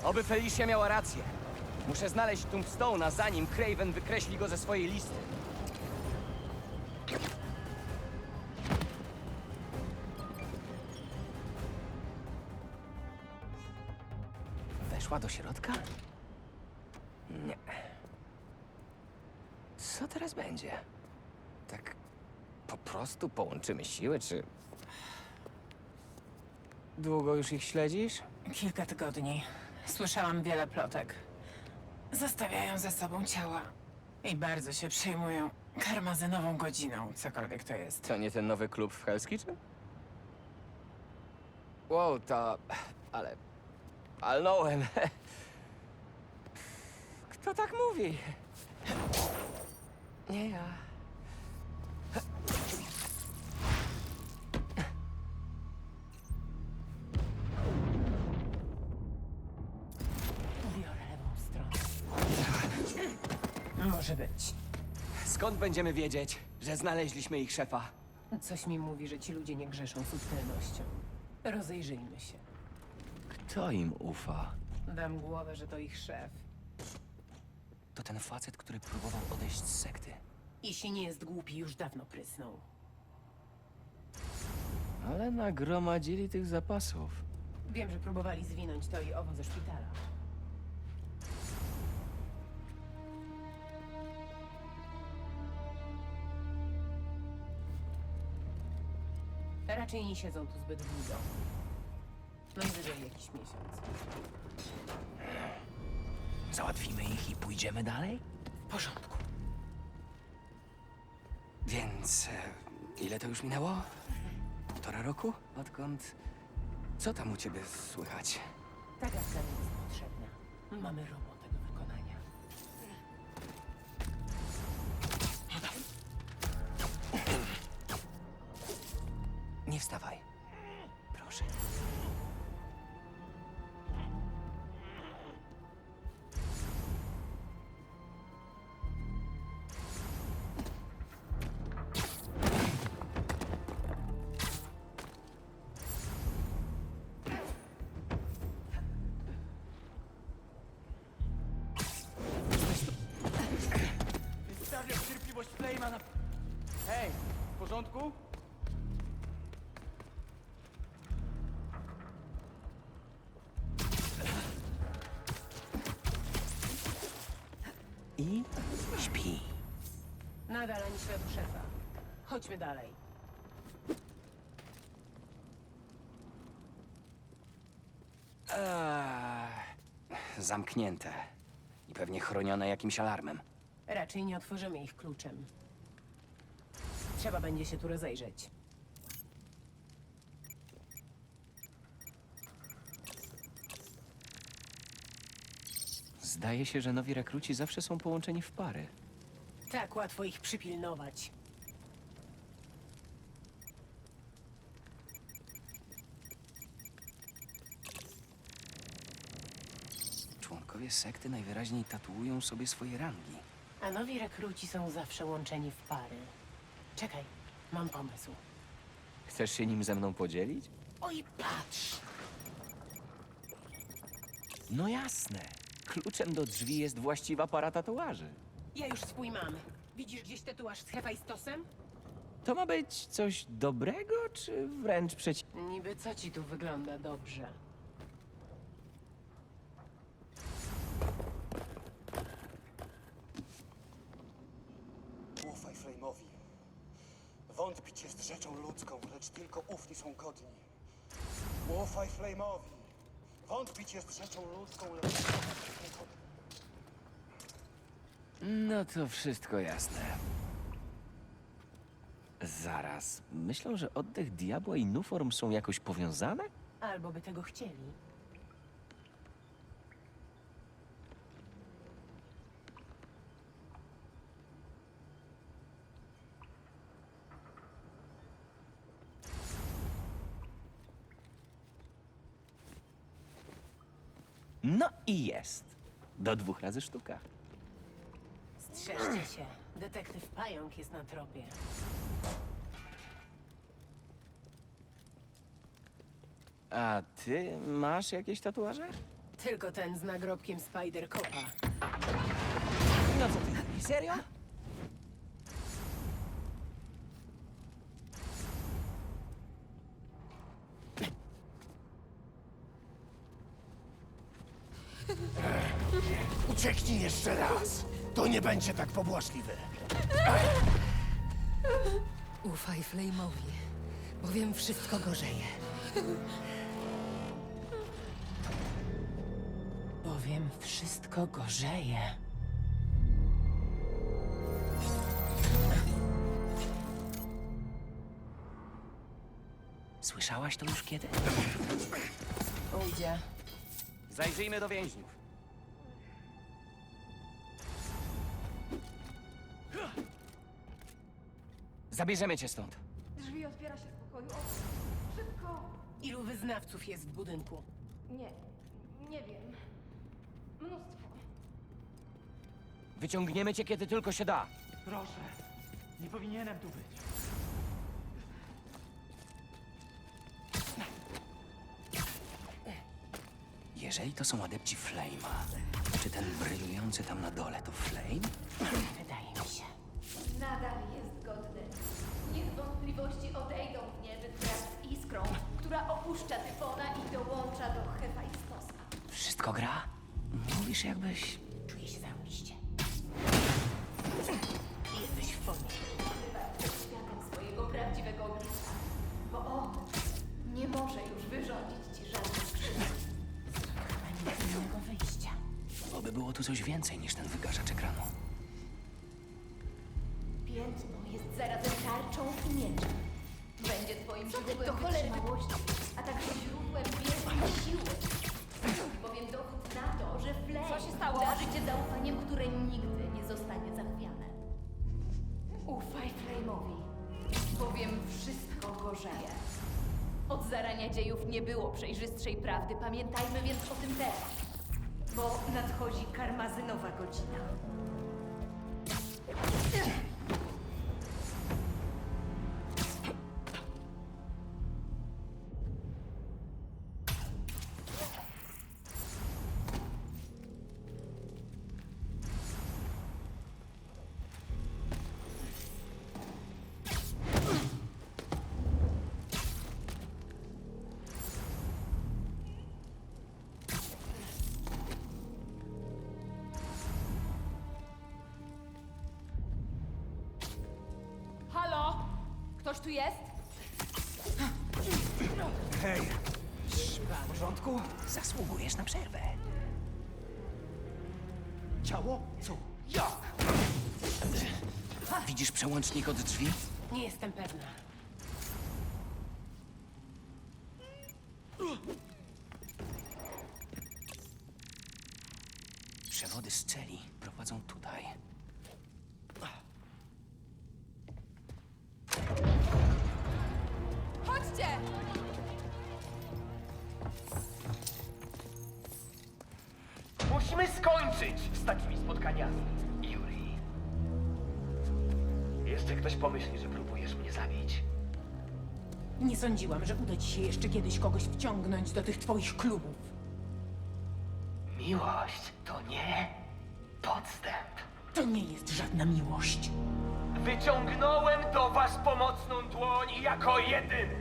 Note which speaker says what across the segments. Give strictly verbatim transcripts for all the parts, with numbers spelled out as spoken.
Speaker 1: Oby Felicia miała rację. Muszę znaleźć Tombstone'a, zanim Craven wykreśli go ze swojej listy. Weszła do środka? Nie. Co teraz będzie? Tak po prostu połączymy siły, czy... Długo już ich śledzisz?
Speaker 2: Kilka tygodni. Słyszałam wiele plotek. Zostawiają ze sobą ciała. I bardzo się przejmują karmazynową godziną, cokolwiek to jest.
Speaker 1: To nie ten nowy klub w Hell's Kitchen? Wow, to... ale... Palnąłem. Kto tak mówi? Nie ja.
Speaker 2: Biorę lewą stronę. Może być.
Speaker 1: Skąd będziemy wiedzieć, że znaleźliśmy ich szefa?
Speaker 2: Coś mi mówi, że ci ludzie nie grzeszą subtelnością. Rozejrzyjmy się.
Speaker 1: Kto im ufa?
Speaker 2: Dam głowę, że to ich szef.
Speaker 1: To ten facet, który próbował odejść z sekty.
Speaker 2: Jeśli nie jest głupi, już dawno prysnął.
Speaker 1: Ale nagromadzili tych zapasów.
Speaker 2: Wiem, że próbowali zwinąć to i owo ze szpitala. Raczej nie siedzą tu zbyt długo. Najwyżej jakiś miesiąc.
Speaker 1: Załatwimy ich i pójdziemy dalej?
Speaker 2: W porządku.
Speaker 1: Więc... E, ile to już minęło? Półtora roku? Odkąd... Co tam u ciebie słychać?
Speaker 2: Ta gadka nie jest potrzebna. Mamy robotę do wykonania.
Speaker 1: Nie wstawaj. Proszę. Wystawiam cierpliwość Flame'a na... Hej, w porządku? I śpi.
Speaker 2: Nadal ani śladu szefa. Chodźmy dalej.
Speaker 1: Eee, zamknięte. I pewnie chronione jakimś alarmem.
Speaker 2: Raczej nie otworzymy ich kluczem. Trzeba będzie się tu rozejrzeć.
Speaker 1: Zdaje się, że nowi rekruci zawsze są połączeni w pary.
Speaker 2: Tak łatwo ich przypilnować.
Speaker 1: Członkowie sekty najwyraźniej tatuują sobie swoje rangi.
Speaker 2: A nowi rekruci są zawsze łączeni w pary. Czekaj, mam pomysł.
Speaker 1: Chcesz się nim ze mną podzielić?
Speaker 2: Oj, patrz!
Speaker 1: No jasne. Kluczem do drzwi jest właściwa para tatuaży.
Speaker 2: Ja już swój mam. Widzisz gdzieś tatuaż z Hefajstosem?
Speaker 1: To ma być coś dobrego, czy wręcz przeciwnie?
Speaker 2: Niby co ci tu wygląda dobrze?
Speaker 3: Ufaj Flame'owi. Wątpić jest rzeczą ludzką, lecz tylko ufni są godni. Ufaj Flame'owi. Wątpić jest rzeczą ludzką, lecz tylko...
Speaker 1: No to wszystko jasne. Zaraz. Myślą, że oddech diabła i Nuform są jakoś powiązane?
Speaker 2: Albo by tego chcieli.
Speaker 1: No i jest. Do dwóch razy sztuka.
Speaker 2: Strzeżcie się. Detektyw Pająk jest na tropie.
Speaker 1: A ty masz jakieś tatuaże?
Speaker 2: Tylko ten z nagrobkiem Spider-Copa.
Speaker 1: No co ty, serio?
Speaker 4: Ucieknij jeszcze raz. To nie będzie tak pobłażliwe.
Speaker 5: Ufaj Flame'owi, bowiem wszystko gorzeje.
Speaker 2: Bowiem wszystko gorzeje.
Speaker 1: Słyszałaś to już kiedy?
Speaker 2: Ujdzie.
Speaker 1: Zajrzyjmy do więźniów. Zabierzemy cię stąd.
Speaker 6: Drzwi otwiera się z pokoju. O, szybko!
Speaker 2: Ilu wyznawców jest w budynku?
Speaker 6: Nie, nie wiem. Mnóstwo.
Speaker 1: Wyciągniemy cię, kiedy tylko się da.
Speaker 7: Proszę, nie powinienem tu być.
Speaker 1: Jeżeli to są adepci Flame'a, czy ten brylujący tam na dole to Flame?
Speaker 2: Wydaje mi się.
Speaker 6: Nadal jest godny. Niech wątpliwości odejdą w nieby wraz z iskrą, która opuszcza Tyfona i dołącza do Hefajstosa.
Speaker 1: Wszystko gra? Mówisz jakbyś...
Speaker 2: Czuję się zarobiście. Jesteś w formie.
Speaker 6: Wybacz przed światem swojego prawdziwego oblicza, bo on nie może już wyrządzić ci żadnych krzywd.
Speaker 2: Chyba nie ma innego wyjścia.
Speaker 1: Oby było tu coś więcej niż ten wygaszacz ekranu.
Speaker 6: Piętno jest zarazem tarczą i mieczem. Będzie twoim źródłem wytrzymałości, a także źródłem wielkiej siły. Bowiem dowód na to, że Flame darzy cię zaufaniem, które nigdy nie zostanie zachwiane. Ufaj Flame'owi, bowiem wszystko gorzeje. Od zarania dziejów nie było przejrzystszej prawdy, pamiętajmy więc o tym teraz. Bo nadchodzi karmazynowa godzina. Halo? Ktoś tu jest?
Speaker 1: Hej! W porządku? Zasługujesz na przerwę.
Speaker 4: Ciało? Co? Jak?
Speaker 1: Widzisz przełącznik od drzwi?
Speaker 2: Nie jestem pewna.
Speaker 1: Przewody z celi prowadzą tutaj.
Speaker 6: Chodźcie!
Speaker 7: Musimy skończyć z takimi spotkaniami, Yuri. Jeszcze ktoś pomyśli, że próbujesz mnie zabić.
Speaker 2: Nie sądziłam, że uda ci się jeszcze kiedyś kogoś wciągnąć do tych twoich klubów.
Speaker 7: Miłość to nie podstęp.
Speaker 2: To nie jest żadna miłość.
Speaker 7: Wyciągnąłem do was pomocną dłoń jako jedyny.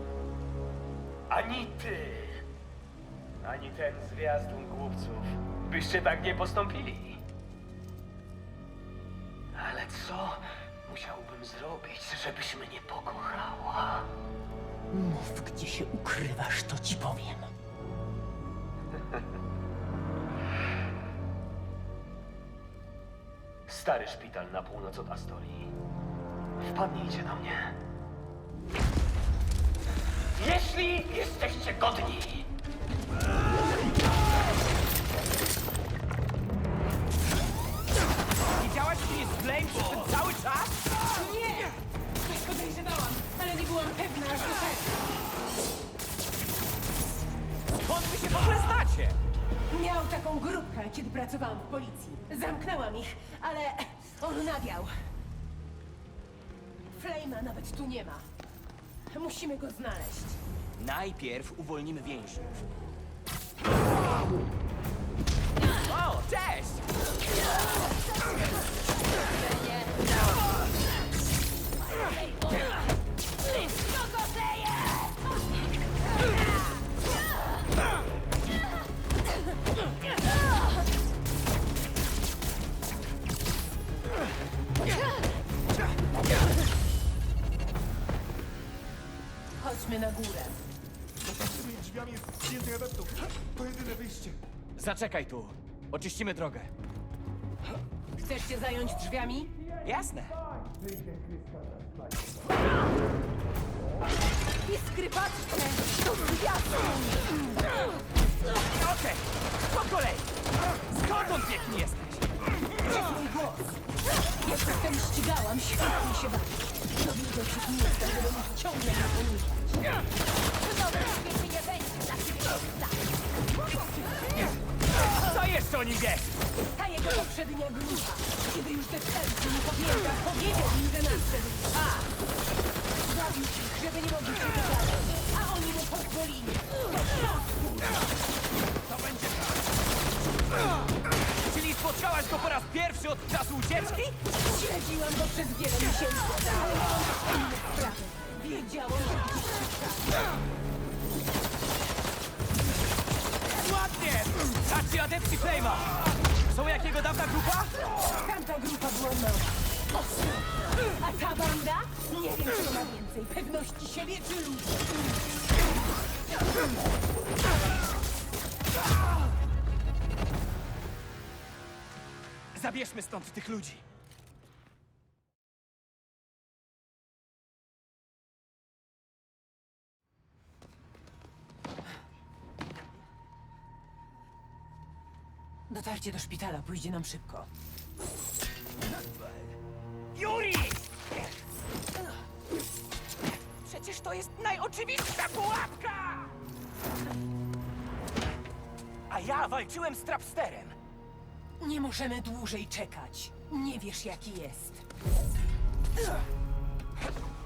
Speaker 7: Ani ty, ani ten zwiastun głupców byście tak nie postąpili. Ale co musiałbym zrobić, żebyś mnie pokochała?
Speaker 2: Mów, gdzie się ukrywasz, to ci powiem.
Speaker 7: Stary szpital na północ od Astorii. Wpadnijcie na mnie. Jeśli jesteście godni!
Speaker 1: Widziałaś mnie z Flame przez ten cały czas?
Speaker 2: Nie! Tak podejrzewałam, ale nie byłam pewna, aż do tego.
Speaker 1: Skąd wy się w ogóle znacie?
Speaker 2: Miał taką grupkę, kiedy pracowałam w policji. Zamknęłam ich, ale on nawiał. Flame'a nawet tu nie ma. Musimy go znaleźć.
Speaker 1: Najpierw uwolnimy więźniów.
Speaker 2: górę.
Speaker 4: Za tymi drzwiami jest więcej adeptów. To jedyne wyjście.
Speaker 1: Zaczekaj tu. Oczyścimy drogę.
Speaker 5: Chcesz się zająć drzwiami?
Speaker 1: Jasne.
Speaker 5: Iskry, patrzcie! To zwiastun!
Speaker 1: Okej, po kolei. Skąd on piękny jesteś?
Speaker 5: Mój głos! Jak jestem ścigałam, świetnie się bawię. Dowiedział się, kim jestem, żeby mnie ciągle nie poniżać.
Speaker 6: Dobra, świetnie nie będzie dla ciebie miejsca.
Speaker 1: Co jeszcze o nim wiesz?
Speaker 5: Ta jego poprzednia grupa, kiedy już te serce mu powięka, powiedział im, że nadszedł czas. Zabił ich, żeby nie mogli się dogadać, a oni mu pozwolili.
Speaker 1: To będzie tak. Czyli spotkałaś go po raz pierwszy od czasu ucieczki?
Speaker 5: Śledziłam go przez wiele miesięcy, ale miałam też inne sprawy. Wiedziałam, że gdzieś szuka.
Speaker 1: Ładnie! A ci adepci Flame'a! Są jak jego dawna grupa?
Speaker 5: Tamta grupa była mała. A ta banda? Nie wiem, kto ma więcej pewności siebie czy ludzi.
Speaker 1: Zabierzmy stąd tych ludzi.
Speaker 5: Dotarcie do szpitala pójdzie nam szybko.
Speaker 1: Yuri! Przecież to jest najoczywistsza pułapka! A ja walczyłem z Trapsterem.
Speaker 5: Nie możemy dłużej czekać. Nie wiesz, jaki jest.